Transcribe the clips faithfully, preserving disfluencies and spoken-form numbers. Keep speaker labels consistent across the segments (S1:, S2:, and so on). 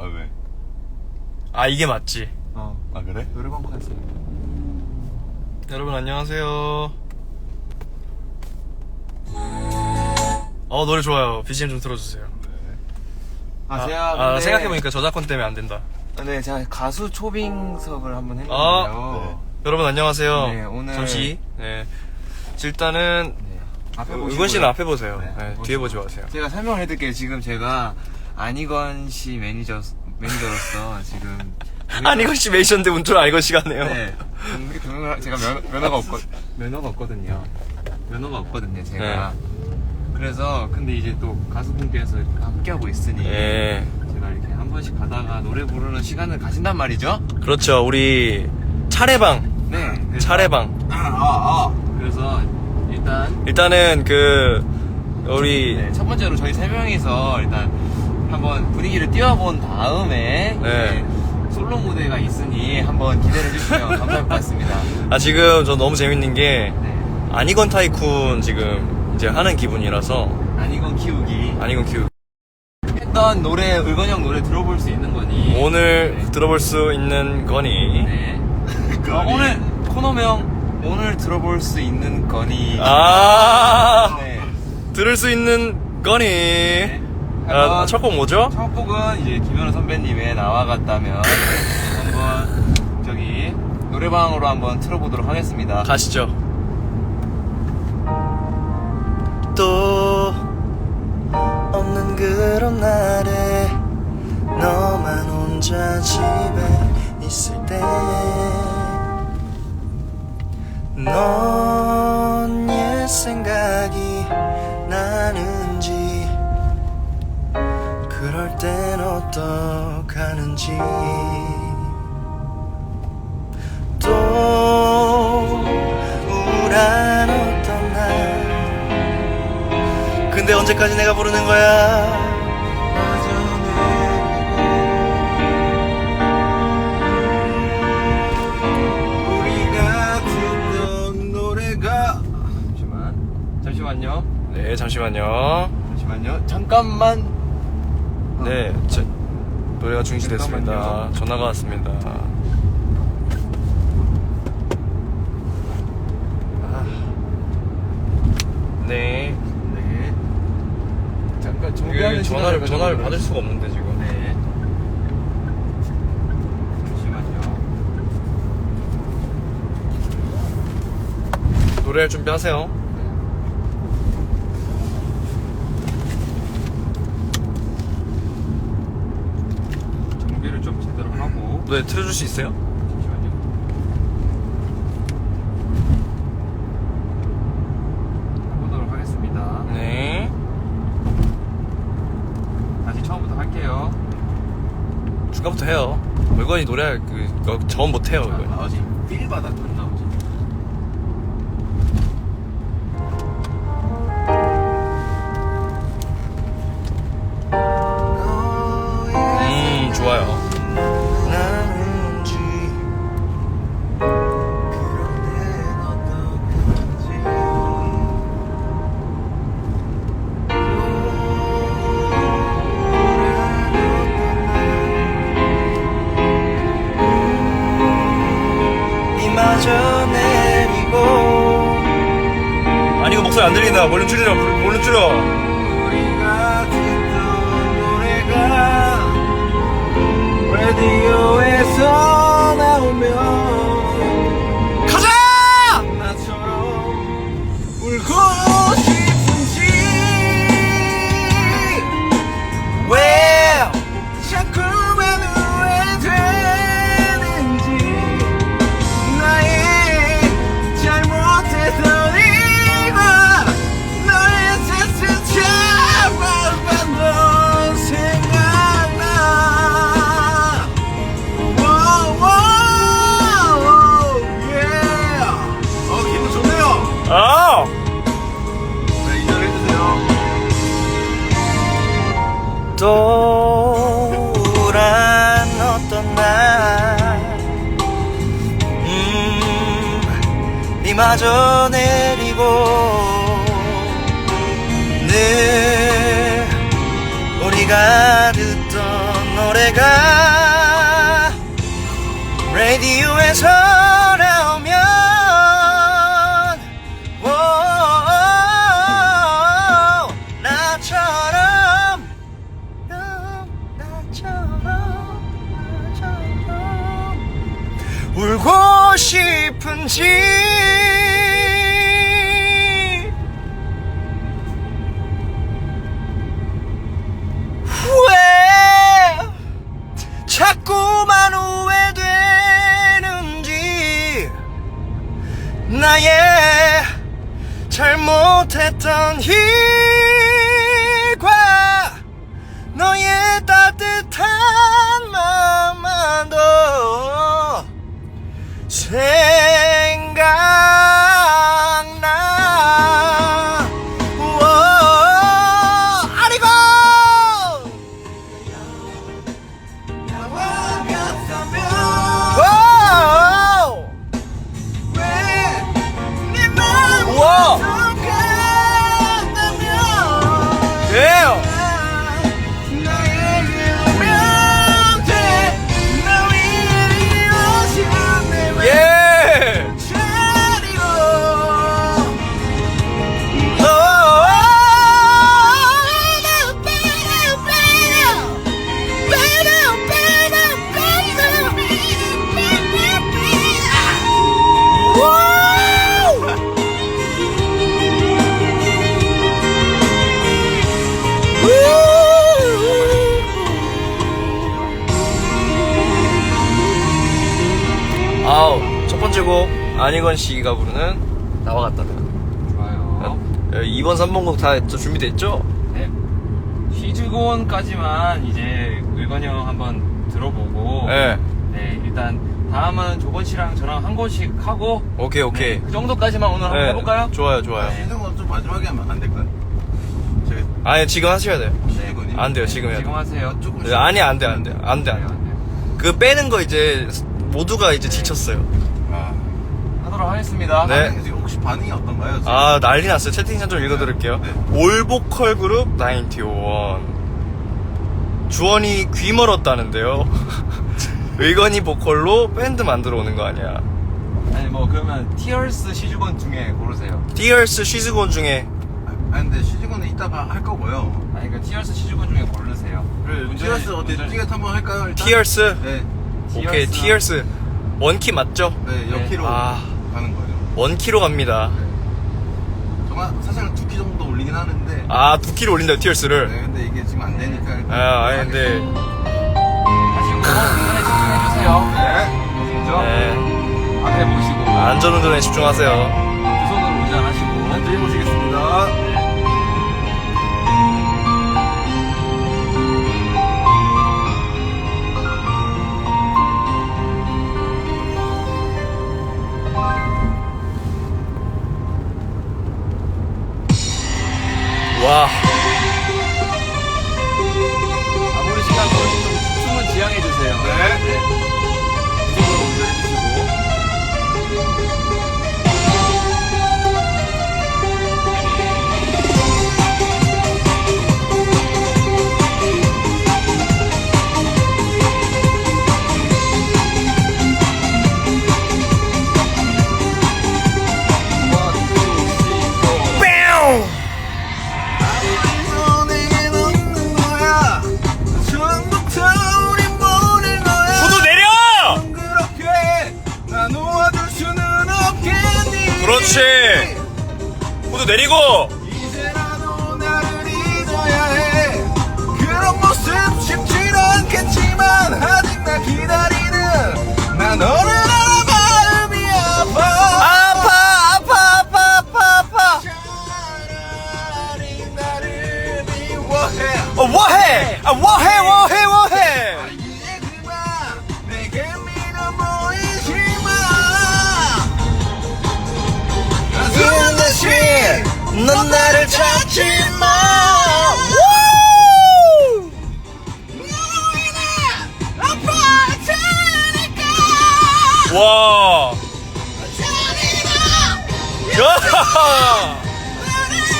S1: 아 왜?
S2: 아 이게 맞지.
S1: 어. 아 그래?
S3: 노래방 컨셉.
S2: 여러분 안녕하세요. 어 노래 좋아요. 비지엠 좀 틀어주세요.
S3: 아,
S2: 아,
S3: 제가
S2: 아
S3: 근데-
S2: 생각해보니까 저작권 때문에 안 된다.
S3: 네, 제가 가수 초빙석을 한번 했는데요.
S2: 아, 여러분 안녕하세요.
S3: 네, 오늘-
S2: 잠시. 네. 일단은
S3: 네. 앞에 보시고요.
S2: 의건 씨는 앞에 보세요.
S3: 네,
S2: 네,
S3: 보시고.
S2: 뒤에 보지 마세요.
S3: 제가 설명을 해드릴게요. 지금 제가 안희건 씨 매니저 매니저로서 지금
S2: 안희건 씨 메이션데 운전 안희건 씨가 네요.
S3: 네. 동- 동영상 제가 면, 면허가 없거 면허가 없거든요. 면허가 없거든요. 제가. 그래서 근데 이제 또 가수분께서 이렇게 함께하고 있으니
S2: 예.
S3: 제가 이렇게 한 번씩 가다가 노래 부르는 시간을 가진단 말이죠.
S2: 그렇죠. 우리 차례방.
S3: 네. 그래서-
S2: 차례방.
S3: 아, 아, 아. 그래서 일단
S2: 일단은 그 우리
S3: 네, 첫 번째로 저희 세 명이서 일단 한번 분위기를 띄워본 다음에
S2: 네.
S3: 이제 솔로 무대가 있으니 한번 기대를 해주시면 감사할 것 같습니다.
S2: 아 지금 저 너무 재밌는 게
S3: 네.
S2: 안희건 타이쿤 지금 이제 하는 기분이라서
S3: 아니건 키우기
S2: 안희건 큐
S3: 했던 노래 의건 형 노래 들어볼 수 있는 거니
S2: 오늘
S3: 네.
S2: 들어볼 수 있는 거니.
S3: 네. 어, 오늘 코너명 오늘 들어볼 수 있는 거니
S2: 아
S3: 네.
S2: 들을 수 있는 거니.
S3: 네.
S2: 아, 첫 곡 뭐죠?
S3: 첫 곡은 이제 김현우 선배님의 나와 같다면 한번 저기 노래방으로 한번 틀어보도록 하겠습니다.
S2: 가시죠. 또 없는 그런 날에 너만 혼자 집에 있을 때 넌 옛 생각이 나는지 그럴 땐 어떡하는지 또 우울한 어떤 날 근데 언제까지 내가 부르는 거야.
S3: 우리가 듣던 노래가 잠시만 잠시만요
S2: 네 잠시만요.
S3: 잠시만요 잠깐만
S2: 네 저, 노래가 중지됐습니다.
S3: 잠깐만요.
S2: 전화가 왔습니다. 아. 네
S3: 네 잠깐
S2: 이게
S3: 정비하는
S2: 전화를
S3: 시간을
S2: 전화를
S3: 가져보도록
S2: 받을 수가 없는데 지금.
S3: 네 잠시만요
S2: 노래할 준비하세요.
S3: 정비를 좀 제대로 하고
S2: 노래 틀어줄 수 있어요?
S3: 잠시만요 해보도록 하겠습니다.
S2: 네.
S3: 다시 처음부터 할게요.
S2: 중간부터 해요. 물건이 노래할 그 저음 못해요.
S3: 아,
S2: 이거.
S3: 나오지. 필 바닥 안 나오지.
S2: 음 좋아요. 이마저 내리고 아니 이거 목소리 안 들린다. 볼륨 줄여. 볼륨 줄여.
S3: 우리가 듣던 노래가 라디오에서 나오면
S2: 가자!
S3: 나처럼 울고 싶은지
S2: 왜?
S3: 자꾸만 후회되는지 나의 잘못했던 이가 너의 뜻을 잡아봐도 생각나. Wow, wow, yeah. 어, 기분 좋네요.
S2: 아!
S3: 네, 인정을 해주세요.
S2: 또 우울한 어떤 날 음, 이마저 내리고 늘 우리가 듣던 노래가 라디오에서 나오면 오, 나처럼 나처럼 나처럼 울고 싶은지 왜 자꾸만 후회되는지 나의 잘못했던 일과 너의 따뜻한 마음만도 생각나. 우와, 아리고 우와! 예! 예! 아우, 첫 번째 곡 안희건 씨가 부르는 나와 같다.
S3: 좋아요.
S2: 이 번, 삼 번 곡 다 준비됐죠?
S3: 네. 시즈곤까지만 이제 의건이 형 한번 들어보고.
S2: 네.
S3: 네, 일단 다음은 조건 씨랑 저랑 한 곡씩 하고.
S2: 오케이, 오케이.
S3: 네, 그 정도까지만 오늘 한번
S2: 네,
S3: 해볼까요?
S2: 좋아요, 좋아요.
S3: 네.
S1: 시즌건 좀 마지막에 하면 안 될까요? 제가
S2: 아니, 지금 하셔야 돼요.
S1: 시즌건이
S2: 안 돼요, 지금 해야
S3: 지금
S2: 돼요.
S3: 하세요.
S1: 조금
S2: 네, 아니, 안 돼, 안 돼. 안 돼, 안 돼. 그 빼는 거 이제 모두가 이제 지쳤어요.
S1: 아,
S3: 하도록 하겠습니다.
S2: 네.
S1: 반응이 지금 혹시 반응이 어떤가요? 지금?
S2: 아, 난리 났어요. 채팅창 좀 읽어드릴게요.
S1: 네.
S2: 올보컬 그룹 나인티원. 주원이 귀 멀었다는데요. 의건이 보컬로 밴드 만들어 오는 거 아니야.
S3: 아니 뭐 그러면 티얼스 시즈건 중에 고르세요.
S2: 티얼스 쉬즈곤 중에
S1: 아, 근데 시즌건은 이따가 할 거고요.
S3: 아니 그 티얼스 시즈건 중에 고르세요.
S1: 그래,
S3: 운전이-
S1: 티어스 어때?
S3: 운전이-
S1: 띠겟 한번 할까요? 일단?
S2: 티얼스?
S1: 네,
S2: 오케이,
S3: 티얼스.
S2: 티얼스. 원키 맞죠?
S1: 네, 여키로
S2: 아.
S1: 가는 거예요.
S2: 원키로 갑니다.
S1: 정말 사실은 두 키 정도 올리긴 하는데.
S2: 아, 두 키로 올린다요, 티얼스를.
S1: 네, 근데 이게 지금 안 되니까. 일단
S2: 아, 아니, 근데.
S3: 하시고 운전에 집중해주세요. 네. 아시겠죠?
S2: 네.
S3: 앞에 보시고
S2: 안전운전에 집중하세요.
S3: 두 손으로 운전하시고.
S1: 안전히 모시겠습니다.
S2: 와.
S3: 아무리 시간 걸려도 좀 춤은 지양해주세요.
S1: 네.
S3: 두 손으로 운전해주시고.
S2: 구두 내려! 그렇지. 구두 내리고.
S1: 이제라도 나를 잊어야 해. 그런 모습 쉽진 않겠지만 아직 날 기다리는 나 너를 알아 마음이 아파.
S2: 아파, 아파, 아파, 아파, 아파.
S1: 차라리 나를 미워해.
S2: 어, 뭐해? 아, 뭐해, 뭐해, 뭐해?
S1: 이제 그만 내게 믿어 보이지 마.
S2: 이런 듯이 넌 나를 찾지 마. 와. 야.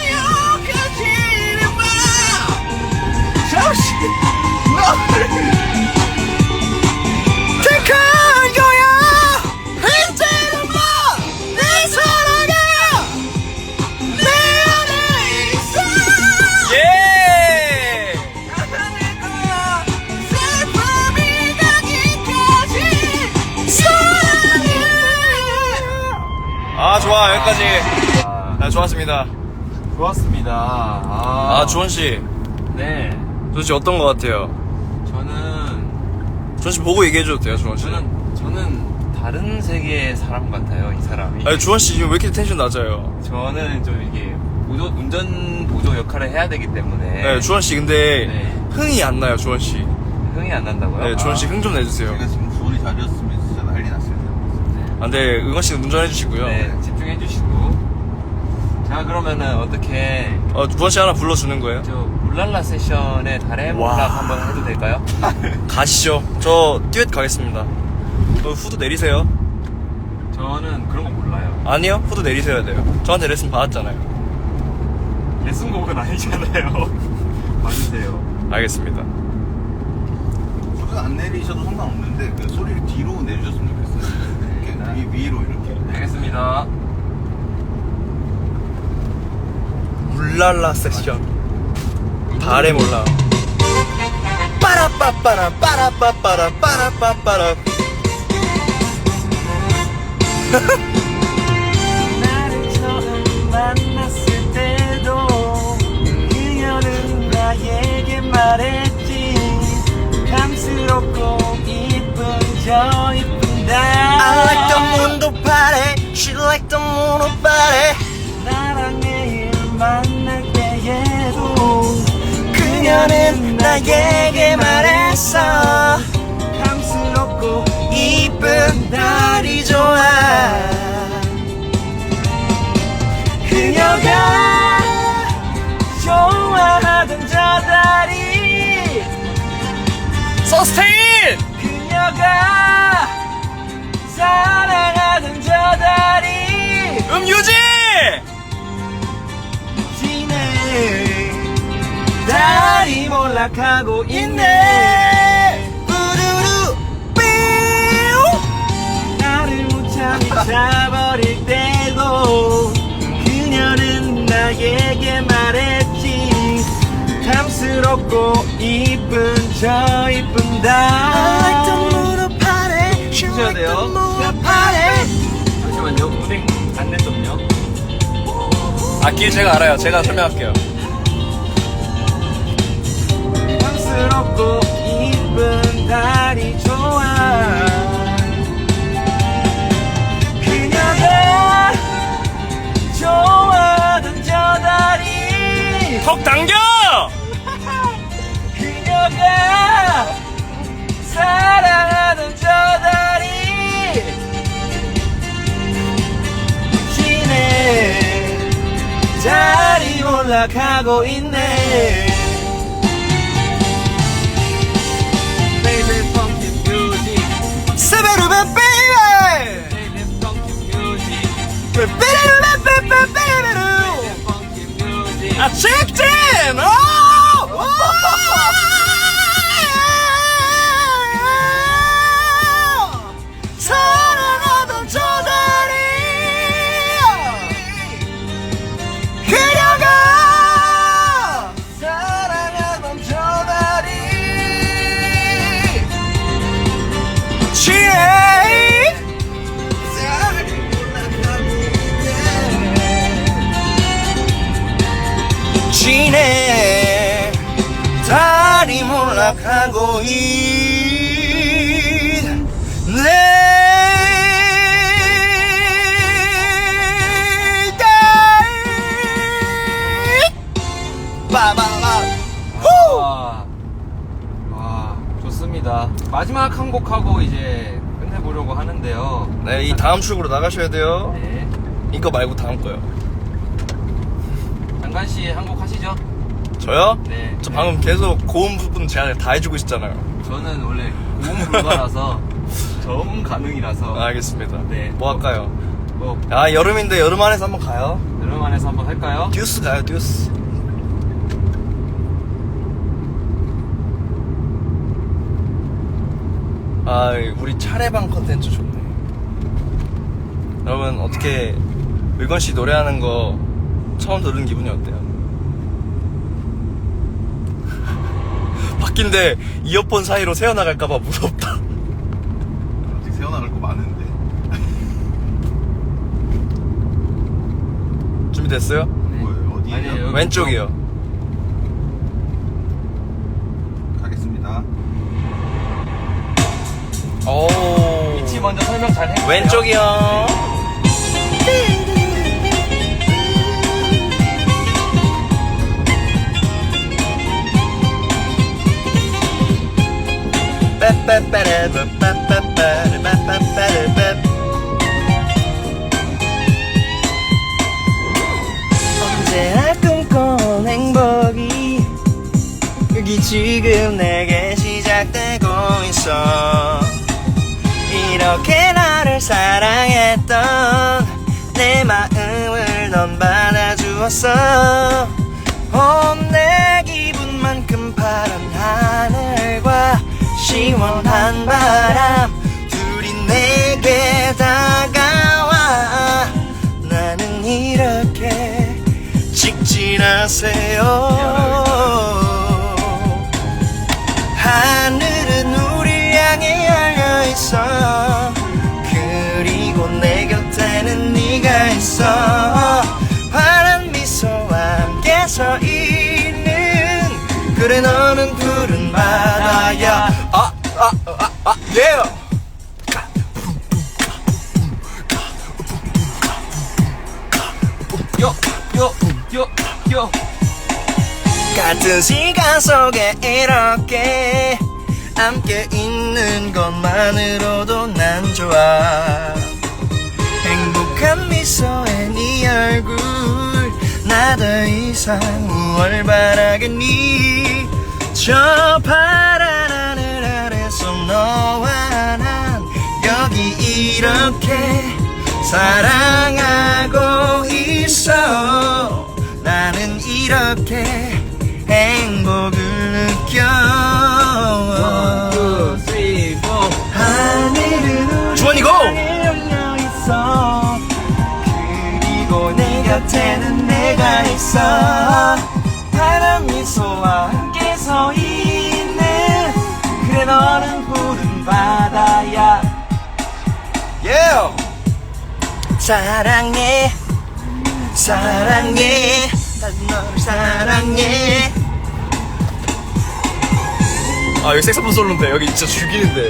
S1: 잠시 너를
S2: 여기까지.
S3: 아,
S2: 아, 좋았습니다.
S3: 좋았습니다. 아,
S2: 아, 주원씨.
S3: 네.
S2: 주원씨 어떤 것 같아요?
S3: 저는
S2: 주원씨 보고 얘기해줘도 돼요, 주원씨.
S3: 저는 저는 다른 세계의 사람 같아요, 이 사람이.
S2: 아니, 주원씨 지금 왜 이렇게 텐션 낮아요?
S3: 저는 좀 이게 보조, 운전 보조 역할을 해야 되기 때문에
S2: 네, 주원씨 근데
S3: 네.
S2: 흥이 안 나요, 주원씨.
S3: 흥이 안 난다고요?
S2: 네, 주원씨 흥 좀 내주세요.
S1: 제가 지금 수원이 자리였으면 진짜 난리 났을 텐데.
S2: 아, 네, 응원씨 운전해주시고요.
S3: 네, 집중해 주시고. 자, 그러면은 어떻게
S2: 어, 주원씨 하나 불러주는 거예요?
S3: 저 울랄라 세션의 달의
S2: 와.
S3: 몰락 한번 해도 될까요?
S2: 가시죠. 저 듀엣 가겠습니다. 어, 후드 내리세요.
S3: 저는 그런 거 몰라요.
S2: 아니요, 후드 내리셔야 돼요. 저한테 레슨 받았잖아요.
S3: 레슨곡은 아니잖아요. 맞으세요.
S2: 알겠습니다.
S1: 소리 안 내리셔도 상관없는데 그 소리를 뒤로 내주셨으면 좋겠어요. 이렇게 위, 위로 이렇게.
S3: 알겠습니다.
S2: 울랄라 섹션. 달에 몰라. 빠라빠빠라 빠라빠빠라 빠라빠빠라.
S4: 나를 처음 만났을 때도 그녀는 나에게 말했지 감스럽고 이쁜 저 이쁜 날
S2: I like the mundo party. She like the mundo party.
S4: 나랑 매일 만날 때에도
S2: 그녀는 나에게 말했어.
S4: 감스럽고
S2: 이쁜 달이 좋아.
S4: 그녀가 좋아하던 저 다리
S2: 서스테인.
S4: 그녀가 사랑하던 저 다리
S2: 음유지.
S4: 지네 달이 몰락하고 있네
S2: 우르르 삐우.
S4: 나를 무참히 차버릴 때도 그녀는 나에게 말했지 탐스럽고 이쁜 저 이쁜
S2: I like the
S4: 달
S2: mundo party. She
S3: 해줘야
S2: like the
S3: 돼요.
S2: mundo party.
S3: 잠시만요. 운행 안내 좀요.
S2: 아, 길 제가 알아요. 제가 설명할게요.
S4: 탐스럽고 이쁜 달이 좋아 그녀가 좋아하던 저 다리
S2: 턱 당겨.
S4: 그녀가 사랑하던 저 다리 지네 달이 올라가고 있네 Baby funky music
S2: 세베르베 베이베.
S4: Baby funky music
S2: 베베르베 베베 베베르.
S4: funky music
S2: 아, 직진! 오! 오! 사랑하던 저 다리. 그녀가
S4: 사랑하던 저 다리
S2: 지혜. 지네 달이 몰락하고 있네. 빠바바.
S3: 와, 와, 좋습니다. 마지막 한 곡 하고 이제 끝내보려고 하는데요.
S2: 네, 이 다음 출구로 나가셔야 돼요.
S3: 네.
S2: 이거 말고 다음 거요.
S3: 장관 씨 한 곡 하시죠?
S2: 저요?
S3: 네.
S2: 저 방금 계속 고음 부분 제가 다 해주고 있었잖아요.
S3: 저는 원래 고음 불가라서 저음 가능이라서.
S2: 아, 알겠습니다.
S3: 네.
S2: 뭐 할까요?
S3: 뭐
S2: 아, 여름인데 여름 안에서 한번 가요.
S3: 여름 안에서 한번 할까요?
S2: 듀스 가요, 듀스. 아, 우리 차례방 컨텐츠 좋네. 여러분, 어떻게 물건 씨 노래하는 거 처음 들은 기분이 어때요? 바뀐데 이어폰 사이로 새어나갈까봐 무섭다.
S1: 아직 새어나갈 거 많은데.
S2: 준비됐어요?
S1: 뭐예요? 어디에요?
S3: 아니에요. 여기
S2: 왼쪽이요.
S1: 가겠습니다.
S2: 오.
S3: 위치 먼저 설명 잘 해주세요.
S2: 왼쪽이요. 언제나 꿈꿔온 행복이 여기 지금 내게 시작되고 있어. 이렇게 나를 사랑했던 내 마음을 넌 받아주었어. 온 내 기분만큼 파란 하늘과 시원한 바람 둘이 내게 다가와. 나는 이렇게 직진하세요. 하늘은 우리 향해 열려 있어. 그리고 내 곁에는 네가 있어. 환한 미소와 함께 서 있는 그래 너는 푸른 바다야. 아, 아, 아, 아, 예.
S3: 요, 요, 요, 요.
S2: 같은 시간 속에 이렇게 함께 있는 것만으로도 난 좋아. 행복한 미소에 네 얼굴 나 더 이상 무얼 바라겠니. 저 파란 하늘 아래서 너와 난 여기 이렇게 사랑하고 있어. 나는 이렇게 행복을 느껴.
S4: One, two, three, four.
S2: 하늘은
S3: 주원이 고!
S2: 우리 열려 있어. 그리고 내 곁에는 내가 있어. 파란 미소와 함께 서 있는 그래 너는 푸른 바다야. Yeah! 사랑해 사랑해 난 너를 사랑해. 아 여기 색소폰 솔로인데 여기 진짜 죽이는데.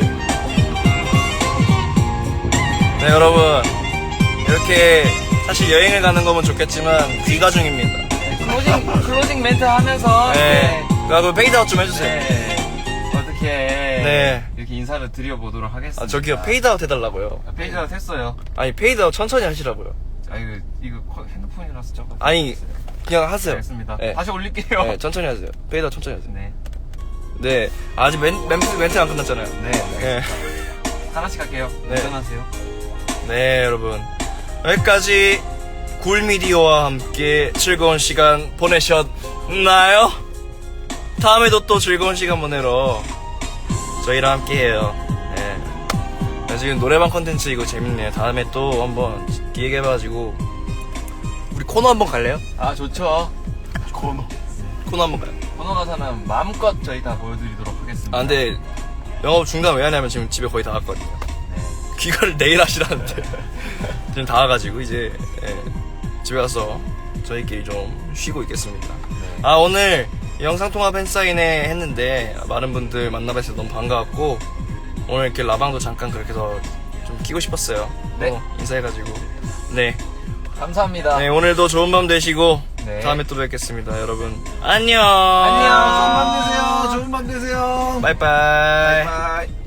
S2: 네 여러분 이렇게 사실 여행을 가는 거면 좋겠지만 귀가 중입니다.
S3: 클로징, 클로징 멘트 하면서.
S2: 네 그리고 페이드아웃 좀 해주세요.
S3: 네. 어떻게.
S2: 네.
S3: 이렇게 인사를 드려보도록 하겠습니다.
S2: 아 저기요 페이드아웃 해달라고요.
S3: 아, 페이드아웃 했어요.
S2: 아니 페이드아웃 천천히 하시라고요.
S3: 아, 이거, 이거 커- 핸드폰이라서 조금.
S2: 아니 그냥 하세요.
S3: 알겠습니다.
S2: 네.
S3: 다시 올릴게요.
S2: 네 천천히 하세요. 페이드아웃 천천히 하세요.
S3: 네.
S2: 네 아직 멘, 멘트, 멘트 안 끝났잖아요.
S3: 네.
S2: 네.
S3: 하나씩 할게요.
S2: 네.
S3: 운전하세요.
S2: 네 여러분 여기까지 굴미디어와 함께 즐거운 시간 보내셨나요? 다음에도 또 즐거운 시간 보내러 저희랑 함께해요. 네. 지금 노래방 컨텐츠 이거 재밌네요. 다음에 또 한번 기획해가지고 우리 코너 한번 갈래요?
S3: 아, 좋죠.
S1: 코너.
S2: 코너 한번 가요.
S3: 번호 가사는 마음껏 저희 다 보여드리도록 하겠습니다.
S2: 아 근데 영업 중단 왜 하냐면 지금 집에 거의 다 왔거든요.
S3: 네.
S2: 귀가를 내일 하시라는데 지금 다 와가지고 이제 예, 집에 가서 저희끼리 좀 쉬고 있겠습니다.
S3: 네.
S2: 아 오늘 영상통화 팬사인회 했는데 많은 분들 만나뵈서 너무 반가웠고 오늘 이렇게 라방도 잠깐 그렇게 해서 좀 끼고 싶었어요.
S3: 네.
S2: 어, 인사해가지고 네.
S3: 감사합니다.
S2: 네 오늘도 좋은 밤 되시고
S3: 네.
S2: 다음에 또 뵙겠습니다 여러분. 안녕.
S3: 안녕.
S1: 좋은 밤 되세요. 좋은 밤 되세요.
S2: 바이바이.
S1: 바이바이.